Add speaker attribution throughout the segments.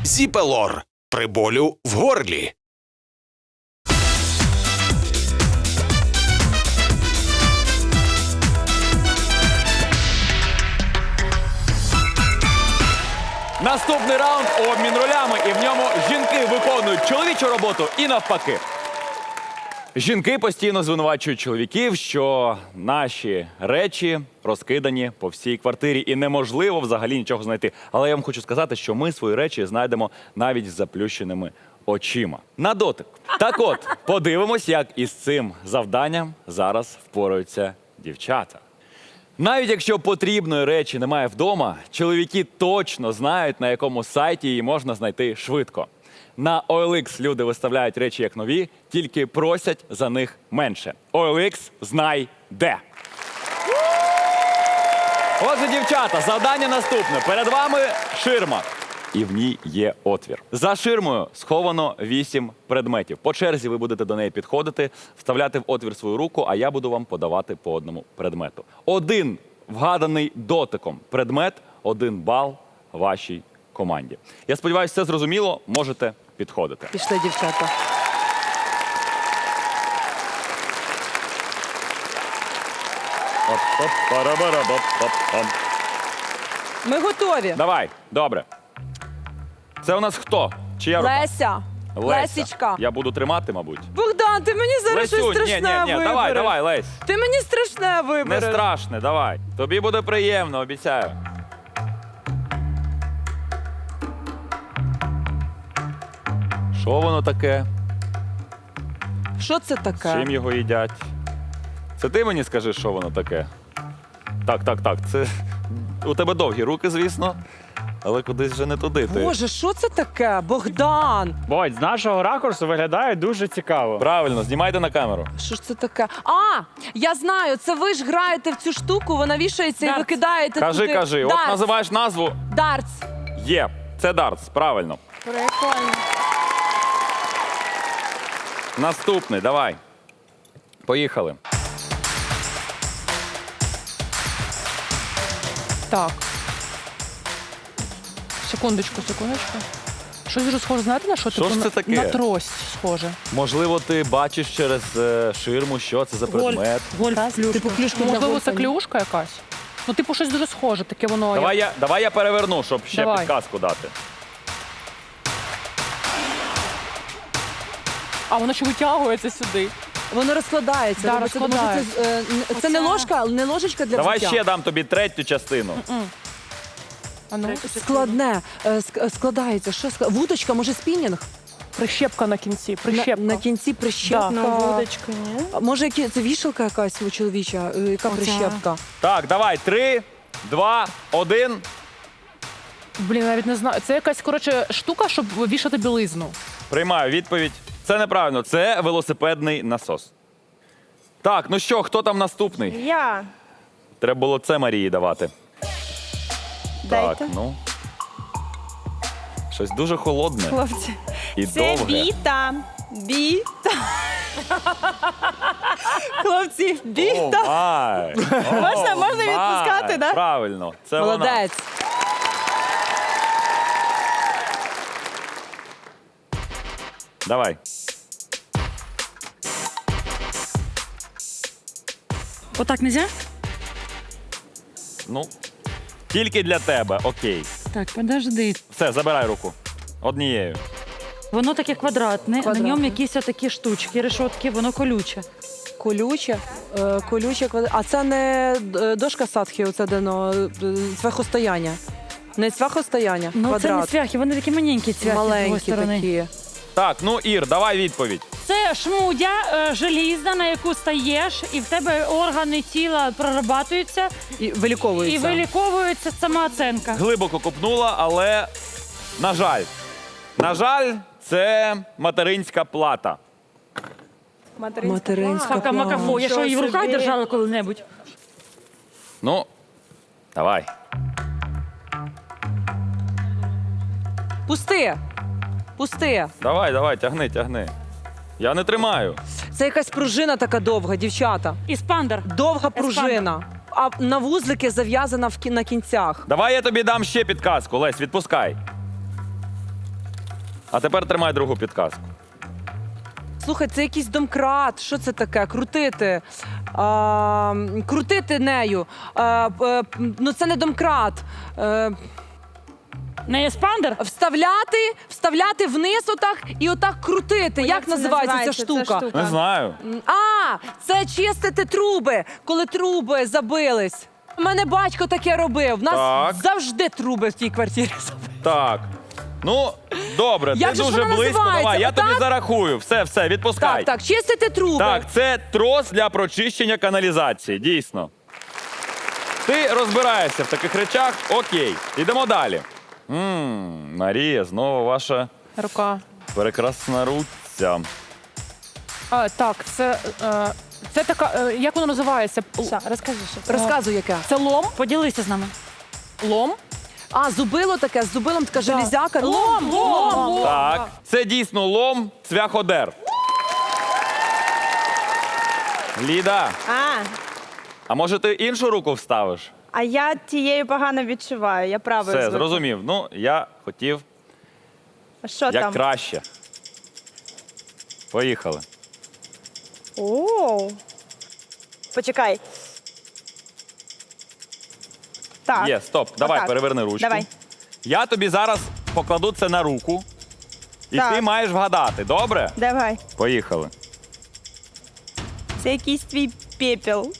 Speaker 1: Зіпелор при болю в горлі.
Speaker 2: Наступний раунд – обмін ролями, і в ньому жінки виконують чоловічу роботу і навпаки. Жінки постійно звинувачують чоловіків, що наші речі розкидані по всій квартирі і неможливо взагалі нічого знайти. Але я вам хочу сказати, що ми свої речі знайдемо навіть з заплющеними очима. На дотик. Так от, подивимось, як із цим завданням зараз впораються дівчата. Навіть якщо потрібної речі немає вдома, чоловіки точно знають, на якому сайті її можна знайти швидко. На OLX люди виставляють речі як нові, тільки просять за них менше. OLX знай де. Отже, дівчата, завдання наступне. Перед вами ширма. І в ній є отвір. За ширмою сховано 8 предметів. По черзі ви будете до неї підходити, вставляти в отвір свою руку, а я буду вам подавати по одному предмету. Один вгаданий дотиком предмет, 1 бал вашій команді. Я сподіваюся, все зрозуміло, можете підходити.
Speaker 3: Пішли, дівчата. Ми готові.
Speaker 2: Давай, добре. Це у нас хто? Чия рука?
Speaker 3: Леся. Лесічка.
Speaker 2: Я буду тримати, мабуть.
Speaker 3: Богдан, ти мені зараз щось
Speaker 2: Лесюнь,
Speaker 3: страшне вибереш.
Speaker 2: давай, Лесь.
Speaker 3: Ти мені страшне
Speaker 2: Не
Speaker 3: вибереш.
Speaker 2: страшне, давай. Тобі буде приємно, обіцяю. Що воно таке?
Speaker 3: Що це таке?
Speaker 2: Чим його їдять? Це ти мені скажи, що воно таке? Так. Це у тебе довгі руки, звісно, але кудись вже не туди.
Speaker 3: Боже, що це таке? Богдан!
Speaker 4: Бодь, з нашого ракурсу виглядає дуже цікаво.
Speaker 2: Правильно, знімайте на камеру.
Speaker 3: Що ж це таке? А, я знаю, це ви ж граєте в цю штуку, вона вішається і ви кидаєте туди.
Speaker 2: Кажи. От
Speaker 3: Дартс.
Speaker 2: називаєш назву.
Speaker 3: Дартс.
Speaker 2: Є. Це дартс, правильно.
Speaker 3: Прикольно.
Speaker 2: Наступний, давай. Поїхали.
Speaker 5: Так. Секундочку. Щось дуже схоже, знаєте на що?
Speaker 2: Що ж це таке?
Speaker 5: На трость схоже.
Speaker 2: Можливо, ти бачиш через ширму, що це за предмет.
Speaker 5: Типу клюшка. Можливо, це клюшка якась? Ну, типу, щось дуже схоже, таке воно.
Speaker 2: Давай я переверну, щоб ще
Speaker 5: Давай.
Speaker 2: підказку дати.
Speaker 5: А воно ще витягується сюди.
Speaker 3: Воно розкладається.
Speaker 5: Да,
Speaker 3: Тобто це, може,
Speaker 5: розкладається.
Speaker 3: це не ложка, не ложечка для
Speaker 2: Давай
Speaker 3: взуття?
Speaker 2: ще дам тобі третю частину.
Speaker 5: А ну.
Speaker 3: Складне. Складається. Що вудочка, може спінінг?
Speaker 5: Прищепка на кінці. Прищепка.
Speaker 3: На кінці прищепка.
Speaker 5: Да.
Speaker 3: Вудочка, ні? А може, це вішалка якась у чоловіча? Яка прищепка?
Speaker 2: Так, давай, 3, 2, 1.
Speaker 5: Блін, навіть не знаю. Це якась, коротше, штука, щоб вішати білизну.
Speaker 2: Приймаю відповідь. Це неправильно, це велосипедний насос. Так, ну що, хто там наступний?
Speaker 6: Я.
Speaker 2: Треба було це Марії давати.
Speaker 6: Дайте.
Speaker 2: Так, ну. Щось дуже холодне
Speaker 6: Хлопці.
Speaker 2: і
Speaker 6: Це
Speaker 2: довге.
Speaker 6: біта. Біта. Хлопці, біта.
Speaker 2: Май.
Speaker 6: Можна відпускати, да?
Speaker 2: Правильно, це вона.
Speaker 3: Молодець.
Speaker 2: Давай.
Speaker 7: Отак нельзя?
Speaker 2: Ну, тільки для тебе, окей.
Speaker 7: Так, подожди.
Speaker 2: Все, забирай руку. Однією.
Speaker 7: Воно таке квадратне, на ньому якісь такі штучки, решотки, воно колюче.
Speaker 3: Колюче. А це не дошка садхи, оце цвяхостояння. Не цвяхостояння,
Speaker 7: Ну
Speaker 3: квадрат.
Speaker 7: це не цвяхи, вони такі маленькі цвяхи з другої
Speaker 3: Маленькі
Speaker 7: сторони.
Speaker 3: такі.
Speaker 2: Так, ну, Ір, давай відповідь.
Speaker 7: Це шмудя желізна, на яку стаєш, і в тебе органи тіла прорабатуються,
Speaker 3: І
Speaker 7: і
Speaker 3: виліковується.
Speaker 7: виліковується самооцінка.
Speaker 2: Глибоко копнула, але, на жаль, це материнська плата.
Speaker 3: Материнська
Speaker 7: Кака
Speaker 3: плата.
Speaker 7: макафо, я що її в руках держала коли-небудь?
Speaker 2: Ну, давай.
Speaker 3: Пусти.
Speaker 2: Давай, тягни. Я не тримаю.
Speaker 3: Це якась пружина така довга, дівчата.
Speaker 7: Іспандер.
Speaker 3: Довга пружина. А на вузлики зав'язана на кінцях.
Speaker 2: Давай я тобі дам ще підказку, Лесь, відпускай. А тепер тримай другу підказку.
Speaker 3: Слухай, це якийсь домкрат. Що це таке? Крутити. Крутити нею. Ну це не домкрат.
Speaker 7: Не еспандер?
Speaker 3: Вставляти вниз отак і отак крутити. Як
Speaker 6: це
Speaker 3: називається ця штука?
Speaker 2: Не знаю.
Speaker 3: Це чистити труби, коли труби забились. У мене батько таке робив. У нас
Speaker 2: Так.
Speaker 3: завжди труби в тій квартирі забили.
Speaker 2: Так. Ну, добре,
Speaker 3: Як
Speaker 2: ти
Speaker 3: же ж
Speaker 2: дуже
Speaker 3: вона
Speaker 2: близько.
Speaker 3: називається?
Speaker 2: Давай, я тобі
Speaker 3: Отак?
Speaker 2: зарахую. Все, відпускай.
Speaker 3: Так, чистити труби.
Speaker 2: Так, це трос для прочищення каналізації, дійсно. Ти розбираєшся в таких речах, окей. Ідемо далі. Марія, знову ваша
Speaker 5: Рука.
Speaker 2: прекрасна руця.
Speaker 5: Так, це така, як воно називається?
Speaker 6: Все, розкажи, що це.
Speaker 3: Розказуй, яке.
Speaker 5: Це лом?
Speaker 7: Поділися з нами.
Speaker 5: Лом?
Speaker 3: Зубило таке, з зубилом така железяка.
Speaker 5: Лом.
Speaker 2: Так, це дійсно лом цвяходер. Ліда, а може ти іншу руку вставиш?
Speaker 6: А я тією погано відчуваю, я правою
Speaker 2: Все,
Speaker 6: звикла.
Speaker 2: зрозумів. Ну, я хотів
Speaker 6: А що
Speaker 2: як
Speaker 6: там?
Speaker 2: краще. Поїхали.
Speaker 6: О. Почекай. Так.
Speaker 2: Є, стоп. Давай,
Speaker 6: Отак.
Speaker 2: переверни ручку.
Speaker 6: Давай.
Speaker 2: Я тобі зараз покладу це на руку, і
Speaker 6: Так.
Speaker 2: ти маєш вгадати, добре?
Speaker 6: Давай.
Speaker 2: Поїхали.
Speaker 6: Це якийсь твій пепел.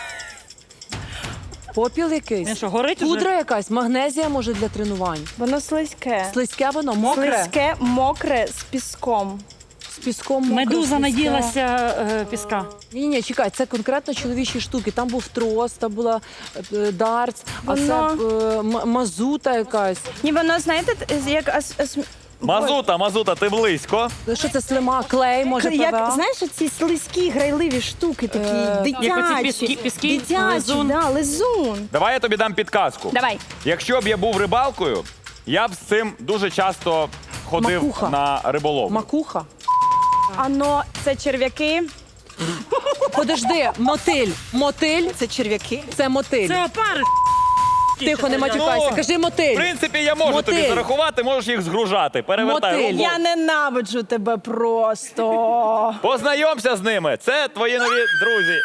Speaker 3: Попіл якийсь.
Speaker 7: Він що, горить уже?
Speaker 3: Пудра якась, магнезія може для тренувань.
Speaker 6: Воно слизьке.
Speaker 3: Слизьке воно, мокре.
Speaker 6: Слизьке, мокре, з піском.
Speaker 3: З піском мокре.
Speaker 7: Медуза
Speaker 3: слизьке.
Speaker 7: наділася піска.
Speaker 3: Ні, чекай, це конкретно чоловічі штуки. Там був трос, там була дартс, а це
Speaker 6: Воно-
Speaker 3: мазута якась.
Speaker 6: Ні, воно, знаєте, як
Speaker 2: Мазута, ти близько.
Speaker 3: Що це слима, клей, може,
Speaker 6: Як,
Speaker 3: ПВА?
Speaker 6: знаєш, ці слизькі грайливі штуки такі,
Speaker 7: Як оці
Speaker 6: дитячі.
Speaker 7: піски,
Speaker 6: Дитячі,
Speaker 7: лизун.
Speaker 6: да, лизун.
Speaker 2: Давай я тобі дам підказку.
Speaker 6: Давай.
Speaker 2: Якщо б я був рибалкою, я б з цим дуже часто ходив
Speaker 3: Макуха.
Speaker 2: на риболовлю.
Speaker 3: Макуха.
Speaker 6: Ано, це черв'яки.
Speaker 3: Подожди, мотиль. Мотиль. Це черв'яки. Це мотиль.
Speaker 7: Це опари.
Speaker 3: Тихо, не матюкайся.
Speaker 2: Ну,
Speaker 3: Кажи
Speaker 2: В
Speaker 3: мотиль.
Speaker 2: принципі, я можу тобі
Speaker 3: Мотиль.
Speaker 2: зарахувати, можеш їх згружати. Перевертай
Speaker 3: Мотиль.
Speaker 2: руку.
Speaker 6: Я ненавиджу тебе просто.
Speaker 2: Познайомся з ними. Це твої нові друзі.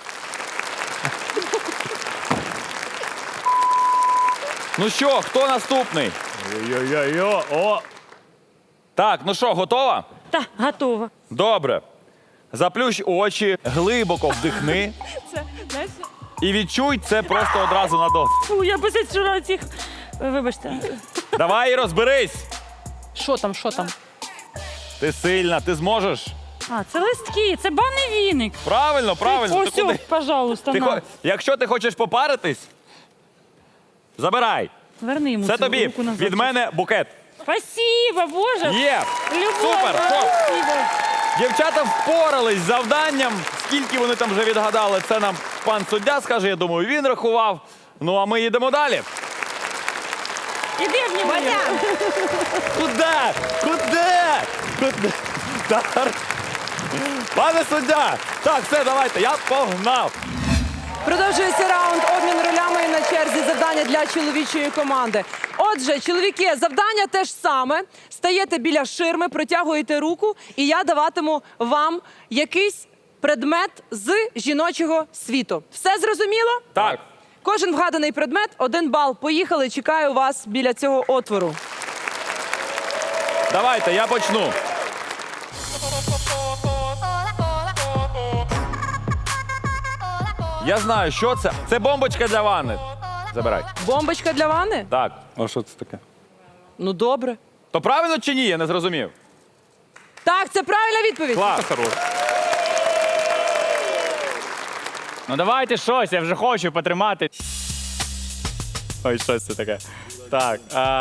Speaker 2: Ну що, хто наступний?
Speaker 4: Йо-йо-йо, о!
Speaker 2: Так, ну що, готова?
Speaker 7: Та, готова.
Speaker 2: Добре. Заплющ очі, глибоко вдихни
Speaker 6: Це, знаєш,
Speaker 2: і відчуй це просто одразу на досвід.
Speaker 7: Фу, я без вчора цих... Вибачте.
Speaker 2: Давай і розберись.
Speaker 5: Що там?
Speaker 2: Ти сильна, ти зможеш.
Speaker 7: А, це листки, це банний віник.
Speaker 2: Правильно.
Speaker 7: Ось,
Speaker 2: Ти куди?
Speaker 7: пожалуйста,
Speaker 2: Ти
Speaker 7: на.
Speaker 2: Якщо ти хочеш попаритись, забирай.
Speaker 7: Верни йому
Speaker 2: Це
Speaker 7: цю
Speaker 2: тобі
Speaker 7: руку назад.
Speaker 2: від мене букет.
Speaker 7: Спасибо, Боже.
Speaker 2: Є.
Speaker 7: Любов,
Speaker 2: Супер. Стоп.
Speaker 7: спасибо.
Speaker 2: Дівчата впорались з завданням. Скільки вони там вже відгадали, це нам пан суддя скаже. Я думаю, він рахував. Ну, а ми їдемо далі.
Speaker 7: Іди в нього.
Speaker 2: Куди? Так. Пане суддя! Так, все, давайте, я погнав.
Speaker 3: Продовжується раунд обмін ролями і на черзі завдання для чоловічої команди. Отже, чоловіки, завдання те ж саме. Стаєте біля ширми, протягуєте руку, і я даватиму вам якийсь предмет з жіночого світу. Все зрозуміло?
Speaker 2: Так.
Speaker 3: Кожен вгаданий предмет, 1 бал. Поїхали, чекаю вас біля цього отвору.
Speaker 2: Давайте, я почну. Я знаю, що це. Це бомбочка для ванни. Забирай.
Speaker 3: Бомбочка для ванни?
Speaker 2: Так.
Speaker 4: А що це таке?
Speaker 3: Ну, добре.
Speaker 2: То правильно чи ні? Я не зрозумів.
Speaker 3: Так, це правильна відповідь.
Speaker 2: Клас.
Speaker 4: Ну давайте щось, я вже хочу потримати. Ой, що це таке? Так,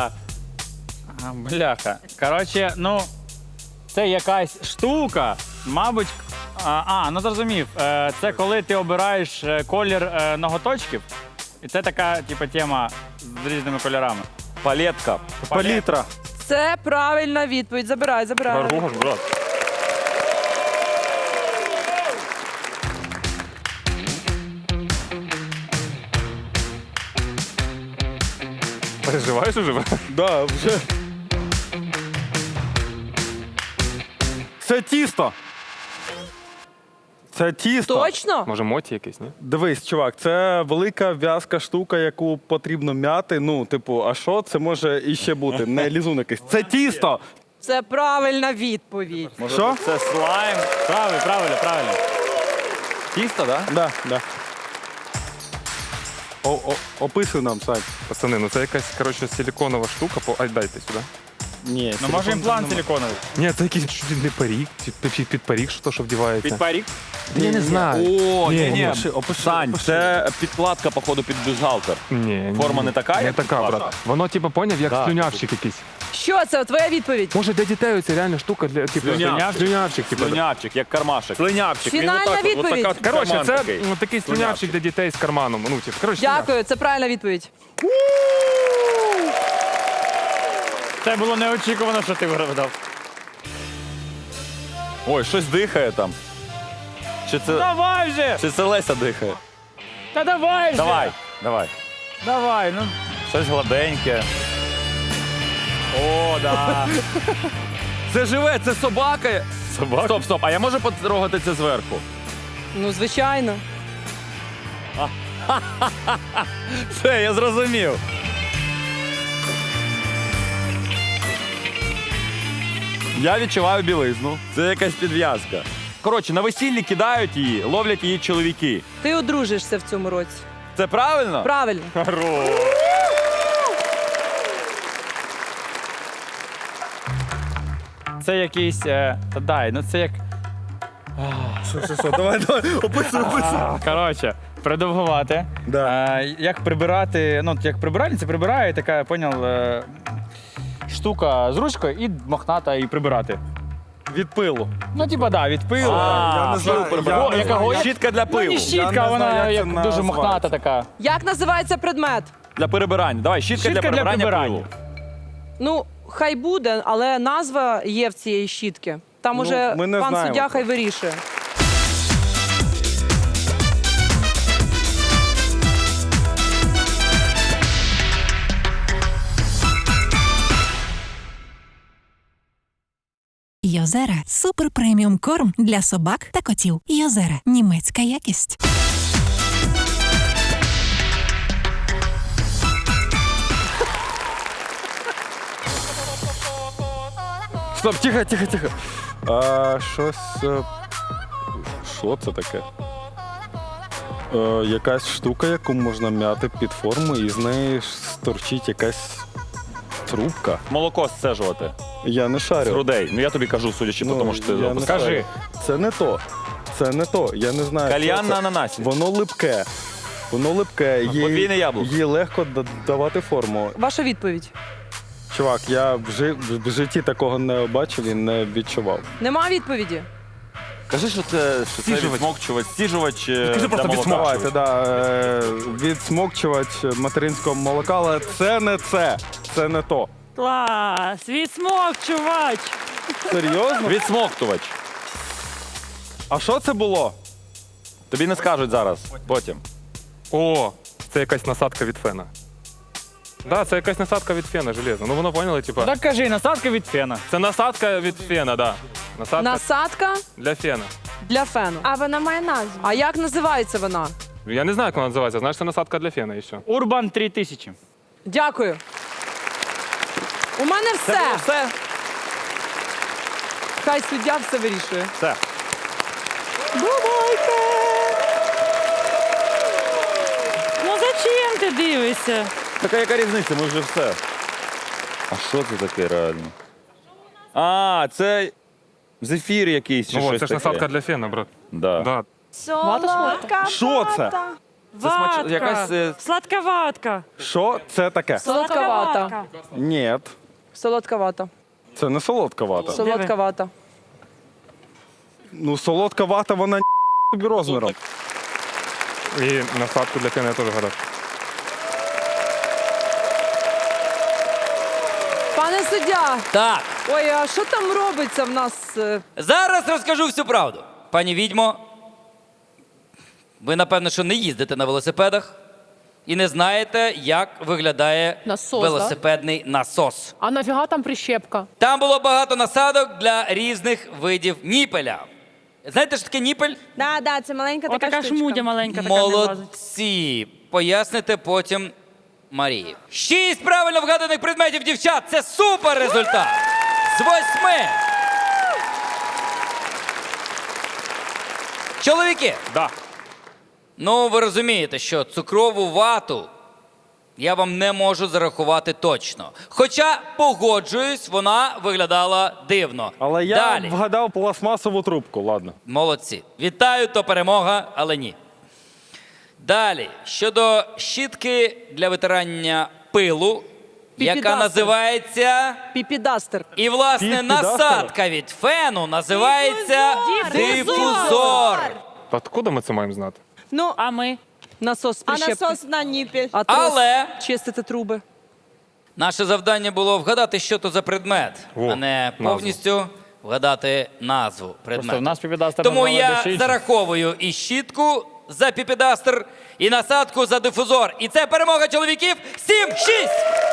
Speaker 4: бляха. Коротше, ну, це якась штука, мабуть. Ну зрозумів. Це коли ти обираєш колір ноготочків. І це така, типу, тема з різними кольорами.
Speaker 2: Палетка.
Speaker 4: Палітра.
Speaker 3: Це правильна відповідь. Забирай.
Speaker 4: брат. Переживаєш уже?
Speaker 2: Да, вже.
Speaker 8: Це тісто. Це тісто.
Speaker 3: Точно?
Speaker 9: Може, моті якийсь, ні?
Speaker 8: Дивись, чувак, це велика в'язка штука, яку потрібно м'яти. Ну, типу, а що це може іще бути? Не лізун якийсь. Це тісто!
Speaker 3: Це правильна відповідь.
Speaker 8: Що?
Speaker 2: Це слайм.
Speaker 4: Правильно.
Speaker 2: Тісто, так?
Speaker 8: Да, да. Описуй нам, Сань.
Speaker 9: Пацани, ну це якась, коротше, силіконова штука. Ай, дайте сюди.
Speaker 8: Ні,
Speaker 4: Ну може імплант силіконовий.
Speaker 9: Ні, це якийсь чуть не парік, під парік, що то, що вдівається.
Speaker 2: Під парік?
Speaker 9: Я не знаю.
Speaker 2: О, ні.
Speaker 8: опиши.
Speaker 2: Сань, це підкладка, походу, під бюстгальтер.
Speaker 9: Ні.
Speaker 2: Форма не така,
Speaker 9: Не
Speaker 2: як
Speaker 9: така,
Speaker 2: підкладка?
Speaker 9: брат. Воно, типу, поняв, як
Speaker 2: Да.
Speaker 9: слюнявчик якийсь.
Speaker 3: Що це? Твоя відповідь?
Speaker 9: Може, для дітей це реально штука для, типу, слюнявчик, типу.
Speaker 2: Слюнявчик, як кармашек. Слюнявчик.
Speaker 3: Фінальна відповідь.
Speaker 9: Коротше, це
Speaker 2: такий.
Speaker 9: такий слюнявчик для дітей з карманом. Ну, типу, коротше,
Speaker 3: Дякую, це правильна відповідь.
Speaker 4: Це було неочікувано, що ти вигадав.
Speaker 2: Ой, щось дихає там.
Speaker 4: Давай вже!
Speaker 2: Чи це Леся дихає?
Speaker 4: Та давай вже!
Speaker 2: Давай,
Speaker 4: ну.
Speaker 2: щось гладеньке.
Speaker 4: О, да.
Speaker 2: Це живе, це собака. Собака? Стоп, а я можу потрогати це зверху?
Speaker 3: Ну, звичайно.
Speaker 2: Все, я зрозумів. Я відчуваю білизну. Це якась підв'язка. Коротше, на весіллі кидають її, ловлять її чоловіки.
Speaker 3: Ти одружишся в цьому році.
Speaker 2: Це правильно?
Speaker 3: Правильно.
Speaker 4: Це якийсь. Та дай, ну це як.
Speaker 8: Що, давай, описуй.
Speaker 4: Коротше, придовгувати.
Speaker 8: Да.
Speaker 4: Як прибирати, ну, як прибиральниця прибирає, така, поняв, штука з ручкою і мохната і прибирати.
Speaker 8: Від пилу.
Speaker 4: Ну, типа, да, від пилу.
Speaker 8: Я не знаю,
Speaker 4: О, якого?
Speaker 2: Щітка для
Speaker 4: Ну,
Speaker 2: пилу.
Speaker 4: не
Speaker 8: Я
Speaker 4: щітка,
Speaker 8: не
Speaker 4: вона
Speaker 8: знаю, як
Speaker 4: як
Speaker 8: це
Speaker 4: дуже
Speaker 8: називається.
Speaker 4: мохната така.
Speaker 3: Як називається предмет?
Speaker 2: Для перебирання. Давай, щітка для
Speaker 4: Щітка для
Speaker 2: прибирання
Speaker 4: прибирання.
Speaker 2: пилу.
Speaker 3: Ну, хай буде, але назва є в цієї щітки. Там
Speaker 8: Ну,
Speaker 3: уже
Speaker 8: ми не
Speaker 3: пан
Speaker 8: знаємо
Speaker 3: суддя хай вирішує.
Speaker 10: Йозера – супер преміум корм для собак та котів. Йозера – німецька якість.
Speaker 8: Стоп, тихо. Щось. Що це таке? Якась штука, яку можна м'яти під форму, і з неї сторчить якась трубка.
Speaker 2: Молоко сцежувати
Speaker 8: Я не
Speaker 2: з
Speaker 8: шарю.
Speaker 2: грудей. Ну я тобі кажу, судячи по тому, що ти
Speaker 8: я не
Speaker 2: опускаєш.
Speaker 8: шарю. Це не то. Це не то. Я не знаю.
Speaker 2: Кальян
Speaker 8: що
Speaker 2: на
Speaker 8: це.
Speaker 2: ананасі.
Speaker 8: Воно липке.
Speaker 2: Подвійне яблуко.
Speaker 8: Їй легко давати форму.
Speaker 3: Ваша відповідь.
Speaker 8: Чувак, я в житті такого не бачив і не відчував.
Speaker 3: Нема відповіді?
Speaker 2: Кажи, що це відсмокчувач, стіжувач
Speaker 9: Кажи просто
Speaker 2: для молока.
Speaker 8: Давайте, відсмокчувач материнського молока, але це не це. Це не то.
Speaker 7: Клас! Відсмокчувач!
Speaker 8: Серйозно?
Speaker 2: Відсмоктувач.
Speaker 8: А що це було?
Speaker 2: Тобі не скажуть зараз, потім.
Speaker 9: О, це якась насадка від фена. Да, це якась насадка від фена, железно. Ну воно поняли, типа.
Speaker 4: Так кажи, насадка від фена.
Speaker 9: Це насадка від фена, да. Насадка
Speaker 3: Насадка
Speaker 9: для фена.
Speaker 3: для фену.
Speaker 6: А вона має назву.
Speaker 3: А як називається вона?
Speaker 9: Я не знаю, як вона називається. Знаєш, це насадка для фена і все.
Speaker 4: Урбан 3000.
Speaker 3: Дякую. У мене все.
Speaker 2: Все?
Speaker 3: Хай суддя все вирішує.
Speaker 2: Все.
Speaker 7: Ну зачем ти дивишся?
Speaker 2: Така яка різниця, ми вже все. А що це таке реально? А, це зефір якийсь чи
Speaker 9: Ну,
Speaker 2: щось
Speaker 9: це ж
Speaker 2: таке.
Speaker 9: насадка для фена, брат.
Speaker 2: Да.
Speaker 9: Да.
Speaker 6: Солодка
Speaker 8: Що це?
Speaker 7: Ватка.
Speaker 2: якась,
Speaker 7: Сладка ватка.
Speaker 8: Що це таке?
Speaker 3: Солодка вата.
Speaker 8: Ні,
Speaker 3: Солодка вата.
Speaker 8: це не солодка вата.
Speaker 3: Солодка вата.
Speaker 8: Ну, солодка вата, вона тобі розміром.
Speaker 9: І насадку для фена я теж гадав.
Speaker 3: Пане суддя,
Speaker 11: Так,
Speaker 3: ой, а що там робиться в нас?
Speaker 11: зараз розкажу всю правду. Пані відьмо, ви, напевно, що не їздите на велосипедах. і не знаєте, як виглядає
Speaker 5: Насос,
Speaker 11: велосипедний насос.
Speaker 5: А нафіга там прищепка?
Speaker 11: Там було багато насадок для різних видів ніпеля. Знаєте, що таке ніпель?
Speaker 6: Да, це маленька така
Speaker 7: Отака
Speaker 6: штучка.
Speaker 7: шмудя маленька така не влазить.
Speaker 11: Молодці! Поясните потім Марії. 6 правильно вгаданих предметів, дівчат! Це супер результат! З 8! Чоловіки!
Speaker 2: Да.
Speaker 11: Ну, ви розумієте, що цукрову вату я вам не можу зарахувати точно. Хоча, погоджуюсь, вона виглядала дивно.
Speaker 8: Але я
Speaker 11: Далі.
Speaker 8: вгадав пластмасову трубку, ладно.
Speaker 11: Молодці. Вітаю, то перемога, але ні. Далі. Щодо щітки для витирання пилу, яка
Speaker 3: Піпідастер.
Speaker 11: називається...
Speaker 3: Піпідастер.
Speaker 11: І, власне,
Speaker 8: Піпідастер?
Speaker 11: насадка від фену називається дифузор.
Speaker 9: Та откуда ми це маємо знати?
Speaker 3: Ну,
Speaker 7: А ми?
Speaker 3: насос з
Speaker 6: А
Speaker 3: прищепки.
Speaker 6: насос на ніпіль.
Speaker 3: А трос
Speaker 11: Але-
Speaker 3: чистити труби.
Speaker 11: Наше завдання було вгадати, що то за предмет,
Speaker 9: О,
Speaker 11: а не
Speaker 9: назву.
Speaker 11: повністю вгадати назву предмету.
Speaker 4: Просто в нас піпідастер
Speaker 11: Тому
Speaker 4: назвали
Speaker 11: я
Speaker 4: дещо інше.
Speaker 11: зараховую і щітку за піпідастер, і насадку за дифузор. І це перемога чоловіків 7-6!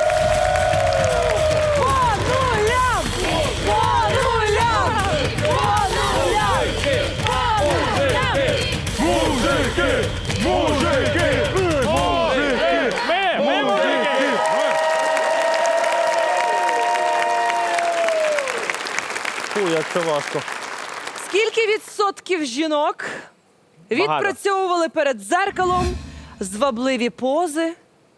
Speaker 4: Ми мужики!
Speaker 8: Фу, як це важко.
Speaker 3: Скільки відсотків жінок відпрацьовували перед дзеркалом звабливі пози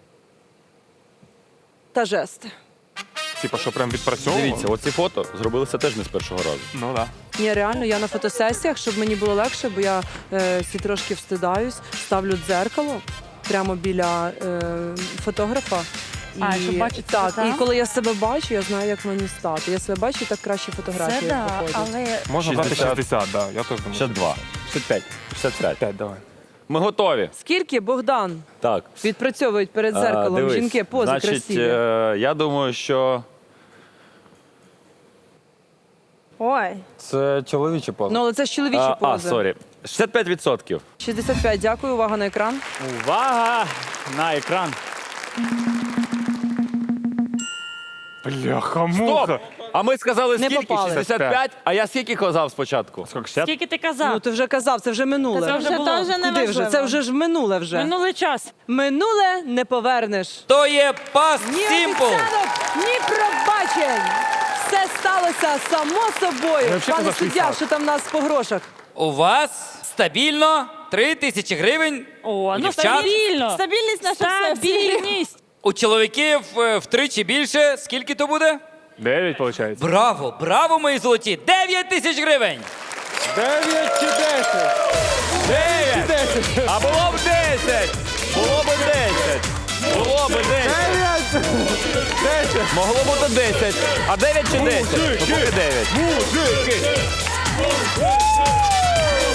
Speaker 3: та жести?
Speaker 9: Типа, що прям відпрацьовувало?
Speaker 2: Дивіться, оці фото зробилися теж не з першого разу.
Speaker 9: Ну так.
Speaker 3: Ні, реально, я на фотосесіях, щоб мені було легше, бо я всі трошки встидаюсь, ставлю дзеркало прямо біля фотографа.
Speaker 7: А, щоб бачити
Speaker 3: так,
Speaker 7: себе,
Speaker 3: і
Speaker 7: так?
Speaker 3: коли я себе бачу, я знаю, як мені стати. Я себе бачу, і так краще фотографії
Speaker 7: Це да,
Speaker 3: виходять.
Speaker 7: але
Speaker 9: Можна брати
Speaker 2: 60.
Speaker 9: 60, да. Я теж думаю.
Speaker 2: 62, 65, 65.
Speaker 9: 5, давай.
Speaker 2: Ми готові.
Speaker 3: Скільки, Богдан,
Speaker 2: Так.
Speaker 3: відпрацьовують перед дзеркалом
Speaker 2: Дивись,
Speaker 3: жінки пози
Speaker 2: значить,
Speaker 3: красиві?
Speaker 2: я думаю, що
Speaker 6: Ой.
Speaker 8: Це чоловічі поза.
Speaker 3: Ну, але це ж чоловічі пози.
Speaker 2: сорі. 65%.
Speaker 3: 65, дякую, увага на екран.
Speaker 4: Увага на екран.
Speaker 9: Бляха-муха.
Speaker 2: Стоп! А ми сказали
Speaker 3: Не
Speaker 2: скільки?
Speaker 3: попали.
Speaker 2: 65, а я скільки казав спочатку?
Speaker 9: Скільки, 60?
Speaker 7: скільки ти
Speaker 3: Ну,
Speaker 7: казав?
Speaker 3: ти вже казав, це вже минуле.
Speaker 7: Та це вже було.
Speaker 6: теж не
Speaker 3: Куди вже?
Speaker 6: важливо.
Speaker 3: Це вже ж минуле вже.
Speaker 7: Минулий час.
Speaker 3: Минуле не повернеш.
Speaker 11: То є Past
Speaker 3: Ні
Speaker 11: Simple.
Speaker 3: обіцянок, ні пробачень. Все сталося само собою.
Speaker 9: взагалі
Speaker 3: Пане
Speaker 9: казав
Speaker 3: суддя,
Speaker 9: 60.
Speaker 3: що там в нас по грошах?
Speaker 11: У вас стабільно 3000 гривень.
Speaker 7: О,
Speaker 11: У
Speaker 7: ну
Speaker 11: дівчат?
Speaker 7: стабільно.
Speaker 6: Стабільність наша все.
Speaker 7: Стабільність.
Speaker 11: У чоловіків втричі більше. Скільки то буде?
Speaker 9: 9, виходить.
Speaker 11: Браво, браво, мої золоті! 9000 гривень!
Speaker 8: 9 чи 10?
Speaker 2: 9! А було б 10! Було б 10! Було б 10!
Speaker 8: 10!
Speaker 2: Могло бути 10. А 9 чи 10? Ну, поки 9.
Speaker 8: Мужики!